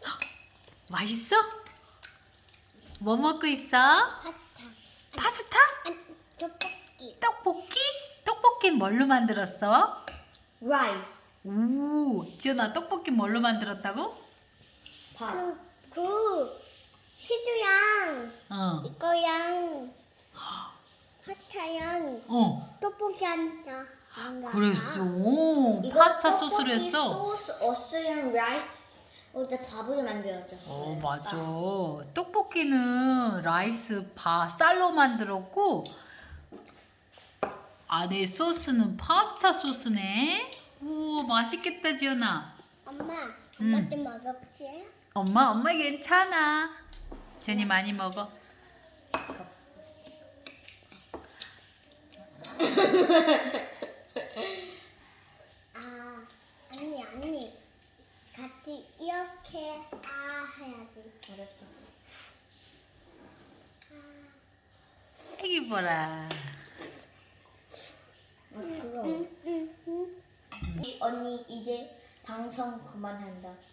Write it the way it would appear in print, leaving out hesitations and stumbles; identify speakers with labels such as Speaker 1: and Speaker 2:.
Speaker 1: 맛있어? 뭐 먹고 있어? 파스타?
Speaker 2: 아니, 떡볶이.
Speaker 1: 떡볶이? 떡볶이 뭘로 만들었어?
Speaker 2: 라이스.
Speaker 1: 오, 지연아 떡볶이 뭘로 만들었다고?
Speaker 2: 밥. 시주양.
Speaker 1: 어,
Speaker 2: 이거양. 파타양. 떡볶이 한다.
Speaker 1: 그랬어. 오, 파스타 소스를 했어.
Speaker 2: 소스, 어스랑 라이스. 어제 밥을 만들어줬어요.
Speaker 1: 맞아. 떡볶이는 라이스 쌀로 만들었고 안에 소스는 파스타 소스네. 오, 맛있겠다, 지연아.
Speaker 2: 엄마
Speaker 1: 음.
Speaker 2: 좀 먹어볼게요.
Speaker 1: 엄마 괜찮아. 지연이 많이 먹어.
Speaker 2: 아니. 같이 이렇게 해야지. 알았어.
Speaker 1: 애기 보라.
Speaker 2: 언니 이제 방송 그만한다.